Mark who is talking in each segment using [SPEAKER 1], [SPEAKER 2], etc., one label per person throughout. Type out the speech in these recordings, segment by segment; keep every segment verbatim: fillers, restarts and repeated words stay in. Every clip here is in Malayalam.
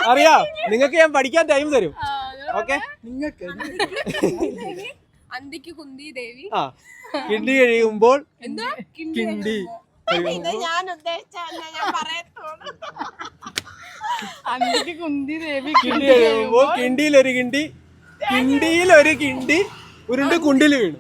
[SPEAKER 1] അറിയാം, നിങ്ങൾക്ക് ഞാൻ പഠിക്കാൻ ടൈം തരും. ഓക്കെ,
[SPEAKER 2] അന്തിക്ക് കുന്തി ദേവി.
[SPEAKER 1] ആ, കിണ്ടി കഴിയുമ്പോൾ
[SPEAKER 2] എന്താ
[SPEAKER 1] കിണ്ടി
[SPEAKER 2] ഞാൻ ഉദ്ദേശിച്ച ഞാൻ പറയത്തോളൂ.
[SPEAKER 3] അന്തിക്ക് കുന്തി ദേവി
[SPEAKER 1] കിണ്ടി കഴിയുമ്പോൾ കിണ്ടിയിലൊരു കിണ്ടി കിണ്ടിയിലൊരു കിണ്ടി ഉരുണ്ട് കുണ്ടിൽ വീണു.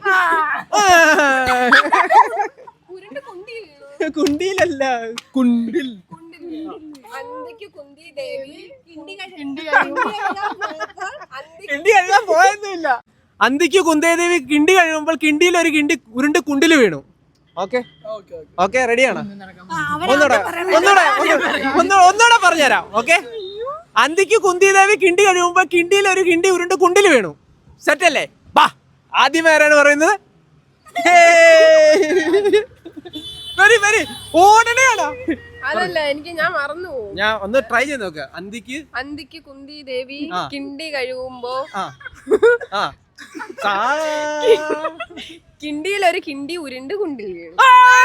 [SPEAKER 2] ഉരുണ്ട് കുന്തി വീണു.
[SPEAKER 1] കുണ്ടിയിലല്ല, കുണ്ടിൽ.
[SPEAKER 2] അന്തിക്ക് കുന്തി ദേവി കിണ്ടി
[SPEAKER 3] കിണ്ടി കഴിയുമ്പോ
[SPEAKER 1] കിണ്ടി കഴിയാൻ പോയൊന്നുമില്ല. അന്തിക്ക് കുന്തേദേവി കിണ്ടി കഴിയുമ്പോൾ കിണ്ടിയിൽ ഒരു കിണ്ടി ഉരുണ്ട് കുണ്ടിൽ വീണു. ഓക്കെ ഓക്കെ, റെഡിയാണ്? ഒന്നൂടെ ഒന്നൂടെ ഒന്നൂടെ ഒന്നൂടെ പറഞ്ഞുതരാം. ഓക്കെ, അന്തിക്ക് കുന്തിദേവി കിണ്ടി കഴിയുമ്പോൾ കിണ്ടിയിൽ ഒരു കിണ്ടി ഉരുണ്ട് കുണ്ടിൽ വീണു. സെറ്റ് അല്ലേ? ബാ, ആദ്യം ആരാണ് പറയുന്നത്? വെരി വെരി ഓടനെയാണോ?
[SPEAKER 2] അതല്ല, എനിക്ക് ഞാൻ മറന്നു പോകും.
[SPEAKER 1] ഞാൻ ഒന്ന് ട്രൈ ചെയ്ത് നോക്ക. അന്തിക്ക്
[SPEAKER 2] അന്തിക്ക് കുന്തി ദേവി കിണ്ടി കഴിയുമ്പോ കിണ്ടിയിലൊരു കിണ്ടി ഉരുണ്ട് കുണ്ടിൽ വീണു.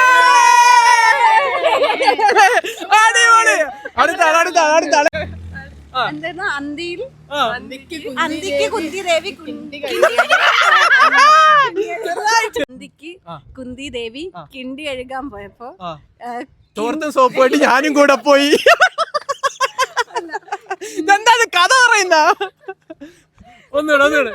[SPEAKER 3] എന്തായിരുന്നു അന്തിയിൽ
[SPEAKER 2] അന്തിക്ക് കുന്തി ദേവി
[SPEAKER 3] അന്തിക്ക് കുന്തി ദേവി കിണ്ടി കഴുകാൻ പോയപ്പോ
[SPEAKER 1] തോർത്തും സോപ്പുമായിട്ട് ഞാനും കൂടെ പോയി. എന്താ കഥ പറയുന്ന? ഒന്നുകൂടെ ഒന്നുകൂടെ.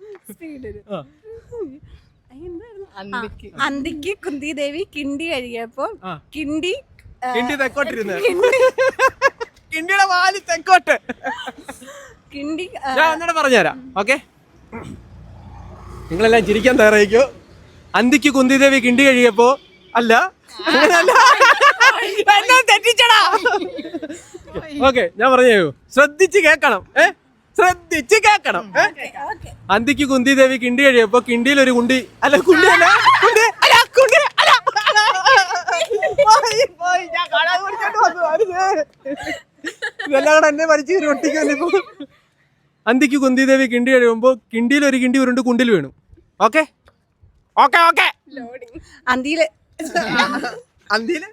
[SPEAKER 3] അന്തിക്ക് കുന്തി ദേവി കിണ്ടി കഴുകിയപ്പോ കിണ്ടി
[SPEAKER 1] കിണ്ടി തെക്കോട്ടിരുന്ന് കിണ്ടിയുടെ വാല് തെക്കോട്ട്.
[SPEAKER 3] കിണ്ടി
[SPEAKER 1] ഞാൻ ഒന്നുകൂടെ പറഞ്ഞുതരാം. ഓക്കെ, നിങ്ങളെല്ലാം ചിരിക്കാൻ തയ്യാറായിക്കോ. അന്തിക്ക് കുന്തിദേവി കിണ്ടി കഴിയപ്പോ അല്ല അങ്ങനല്ല, എന്നെ തെറ്റിച്ചടാ. ഓക്കെ, ഞാൻ പറഞ്ഞു, ശ്രദ്ധിച്ച് കേക്കണം. ഏ ശ്രദ്ധിച്ച് കേക്കണം. അന്തിക്ക് കുന്തിദേവി കിണ്ടി കഴിയപ്പോ കിണ്ടിയിൽ ഒരു കുണ്ടി അല്ല കുണ്ടി അല്ല കുണ്ടി അല്ല കുണ്ടി അല്ല ഇതെല്ലാം കൂടെ എന്നെ പഠിച്ച് ഒട്ടിക്കുന്നിപ്പോ. അന്തിക്ക് കുന്തിദേവി കിണ്ടി കഴിയുമ്പോ കിണ്ടിയിൽ ഒരു കിണ്ടി ഉരുണ്ട് കുണ്ടിൽ വീണു. Okay okay okay.
[SPEAKER 3] അന്തിയില്
[SPEAKER 1] അന്തിയില്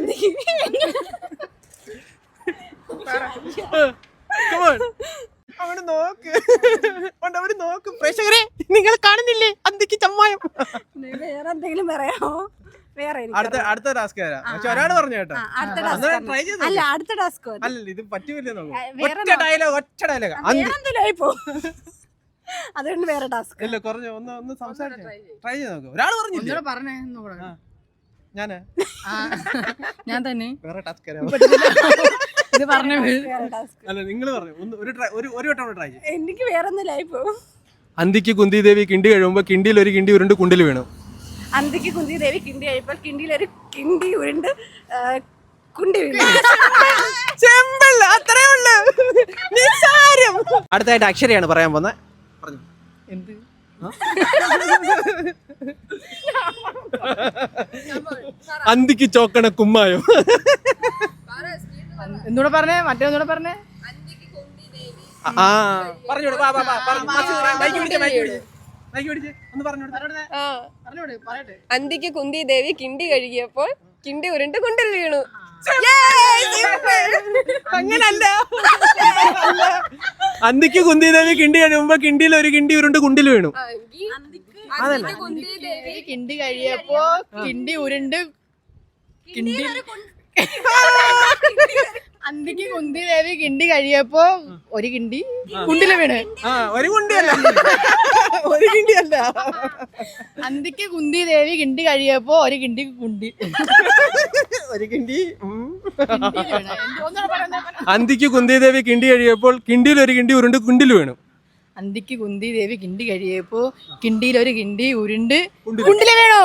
[SPEAKER 1] അവിടെ നോക്ക്, അവര് നോക്കും. പ്രേക്ഷകരെ, നിങ്ങൾ കാണുന്നില്ലേ അന്തിക്ക് ചമ്മായം?
[SPEAKER 3] വേറെ എന്തെങ്കിലും പറയാമോ? വേറെ
[SPEAKER 1] അടുത്ത അടുത്ത ടാസ്ക് തരാം. പക്ഷെ ഒരാൾ പറഞ്ഞു കേട്ടോ, ട്രൈ ചെയ്ത്.
[SPEAKER 3] അല്ല, അടുത്ത ടാസ്ക്
[SPEAKER 1] അല്ലല്ല, ഇത് പറ്റൂല്ലേ? ഒറ്റ ഡയലോഗ് ഒറ്റ ഡയലോഗ്
[SPEAKER 3] അതുകൊണ്ട് വേറെ ടാസ്ക്
[SPEAKER 1] ഇല്ല. കുറഞ്ഞ ഒന്ന് ഒന്ന് സംസാരിച്ചു ട്രൈ ചെയ്ത് നോക്ക്. ഒരാൾ പറഞ്ഞില്ലേ?
[SPEAKER 3] പറഞ്ഞേ
[SPEAKER 1] ഞാന്
[SPEAKER 3] ഞാൻ തന്നെ
[SPEAKER 1] വേറെ ടാസ്ക്
[SPEAKER 3] ഇത് പറഞ്ഞ
[SPEAKER 1] അല്ല, നിങ്ങൾ പറഞ്ഞു. ഒന്ന് ഒരു ഒരു ഒരു വട്ടം ട്രൈ ചെയ്യും.
[SPEAKER 3] എനിക്ക് വേറെ ഒന്നുമില്ലായി പോകും.
[SPEAKER 1] അന്തിക്ക് കുന്തിദേവി കിണ്ടി കഴിയുമ്പോ കിണ്ടിയിൽ ഒരു കിണ്ടി ഉരുണ്ട് കുണ്ടിൽ വീണു.
[SPEAKER 3] അന്തിക്ക് കുന്തി ദേവി കിണ്ടി കഴിയുമ്പോൾ കിണ്ടിയിൽ ഒരു കിണ്ടി ഉരുണ്ട് കുണ്ടി വീണു.
[SPEAKER 1] സിമ്പിൾ, അത്രേ ഉള്ളൂ. നിസ്സാരം. അടുത്തായിട്ട് അക്ഷരയാണ് പറയാൻ പോകുന്നത്. പറഞ്ഞു.
[SPEAKER 3] എന്ത്
[SPEAKER 1] അന്തിക്ക് ചോക്കണ കുമ്മായോ?
[SPEAKER 3] എന്നൂടെ പറഞ്ഞേ, മറ്റേ ഒന്നൂടെ പറഞ്ഞേ.
[SPEAKER 1] ആ പറഞ്ഞോട്. മൈക്ക് പിടിച്ചേ, മൈക്ക് പിടിച്ചേ, മൈക്ക് പിടിച്ചേ, ഒന്ന് പറഞ്ഞോട്.
[SPEAKER 2] അന്തിക്ക് കുന്തി ദേവി കിണ്ടി കഴുകിയപ്പോൾ കിണ്ടി ഉരുണ്ട് കുണ്ടിൽ വീണു.
[SPEAKER 1] അങ്ങനല്ല. അന്തിക്ക് കുന്തിദേവി കിണ്ടി കഴിയുമ്പോ കിണ്ടിയിൽ ഒരു കിണ്ടി ഉരുണ്ട് കുണ്ടിൽ വീണു.
[SPEAKER 2] അന്തിക്ക് കുന്തി ദേവി
[SPEAKER 3] കിണ്ടി കഴിയപ്പോ കിണ്ടി ഉരുണ്ട് കിണ്ടി അന്തിക്ക് കുന്തി ദേവി കിണ്ടി കഴിയപ്പോ ഒരു കിണ്ടി കുണ്ടില് വീണ്.
[SPEAKER 1] ആ, ഒരു കുണ്ടിയല്ല, ഒരു കിണ്ടിയല്ല.
[SPEAKER 3] അന്തിക്ക് കുന്തി ദേവി കിണ്ടി കഴിയപ്പോ ഒരു കിണ്ടി കുണ്ടി
[SPEAKER 1] ഒരു കിണ്ടി. അന്തിക്ക് കുന്തിദേവി കിണ്ടി കഴിയപ്പോൾ കിണ്ടിയിൽ ഒരു കിണ്ടി ഉരുണ്ട് കുണ്ടിൽ വീണു.
[SPEAKER 3] അന്തിക്ക് കുന്തി ദേവി കിണ്ടി കഴിയപ്പോ കിണ്ടിയിൽ ഒരു കിണ്ടി ഉരുണ്ട് കുണ്ടില് വീണു.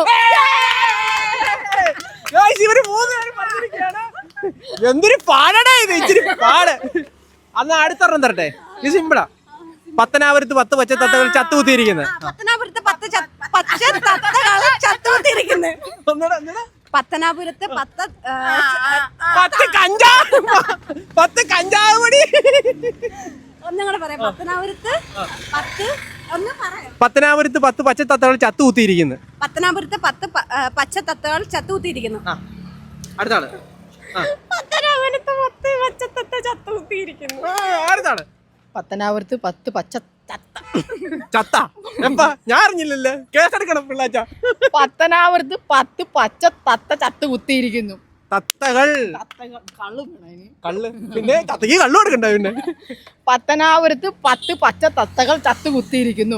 [SPEAKER 1] എന്തൊരു പാടാ ഇത്, ഇച്ചിരി പാട്. അന്ന് അടുത്തൊരെണ്ണം തരട്ടെ, ഇത് സിമ്പിളാ. പത്തനാപുരത്ത് പത്ത് പച്ച തത്തകൾ ചത്തുകുത്തിയിരിക്കുന്നത്.
[SPEAKER 3] പത്തനാപുരത്ത് പത്ത് പച്ച തത്തകൾ ചത്തുകുത്തിയിരിക്കുന്നത്. പത്തനാപുരത്ത് പത്ത്
[SPEAKER 1] പത്ത് കഞ്ചാവ് പത്ത് കഞ്ചാവ് കൂടി.
[SPEAKER 3] ഒന്നും കൂടെ പറയാം. പത്തനാപുരത്ത് പത്ത് ഒന്ന് പറയാം.
[SPEAKER 1] പത്തനാപുരത്ത് പത്ത് പച്ച തത്തകൾ ചത്തുകുത്തിയിരിക്കുന്നു.
[SPEAKER 3] പത്തനാപുരത്ത് പത്ത് പച്ച തത്തകൾ ചത്തുകുത്തിയിരിക്കുന്നു.
[SPEAKER 1] അടുത്താണ്.
[SPEAKER 3] പത്തനാപുരത്ത് പത്ത് പച്ച തത്ത
[SPEAKER 2] ചത്ത കുത്തിയിരിക്കുന്നു.
[SPEAKER 1] ആരുതാണ്?
[SPEAKER 4] പത്തനാപുരത്ത് പത്ത് പച്ച ചത്ത
[SPEAKER 1] ചത്ത എപ്പാ ഞാൻ അറിഞ്ഞില്ലല്ലേ, കേസെടുക്കണം പിള്ളാച്ച.
[SPEAKER 4] പത്തനാപുരത്ത് പത്ത് പച്ച തത്ത ചത്ത് കുത്തിയിരിക്കുന്നു.
[SPEAKER 1] തത്തകൾ
[SPEAKER 4] തത്തകൾ കള്ളു വേണം അതിന്.
[SPEAKER 1] കള്ള് പിന്നെ തത്തക്ക് കള്ളു കൊടുക്കണ്ട. പിന്നെ
[SPEAKER 4] പത്തനാപുരത്ത് പത്ത് പച്ച തത്തകൾ ചത്ത് കുത്തിയിരിക്കുന്നു.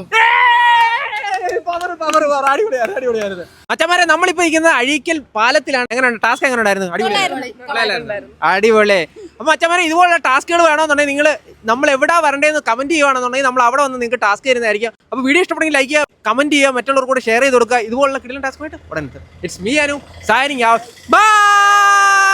[SPEAKER 1] അച്ഛന്മാരെ നമ്മളിപ്പോ ഇരിക്കുന്നത് അഴീക്കൽ പാലത്തിലാണ്. എങ്ങനെയുണ്ട് ടാസ്ക്? എങ്ങനെ ഉണ്ടായിരുന്നു? അടിപൊളി അടിപൊളി. അപ്പൊ അച്ഛന്മാരെ ഇതുപോലുള്ള ടാസ്കുകൾ വേണമെന്നുണ്ടെങ്കിൽ നിങ്ങൾ നമ്മൾ എവിടെ വരണ്ടേന്ന് കമന്റ് ചെയ്യുകയാണെന്നുണ്ടെങ്കിൽ നമ്മൾ അവിടെ വന്ന് നിങ്ങൾക്ക് ടാസ്ക് തരുന്നതായിരിക്കും. അപ്പൊ വീഡിയോ ഇഷ്ടപ്പെടുമെങ്കിൽ ലൈക്ക് ചെയ്യുക, കമന്റ് ചെയ്യുക, മറ്റുള്ളവർക്ക് കൂടെ ഷെയർ ചെയ്ത് കൊടുക്കുക. ഇതുപോലുള്ള കിടിലൻ ടാസ്ക് ആയിട്ട് ഉടനെ it's me Anu signing out. By.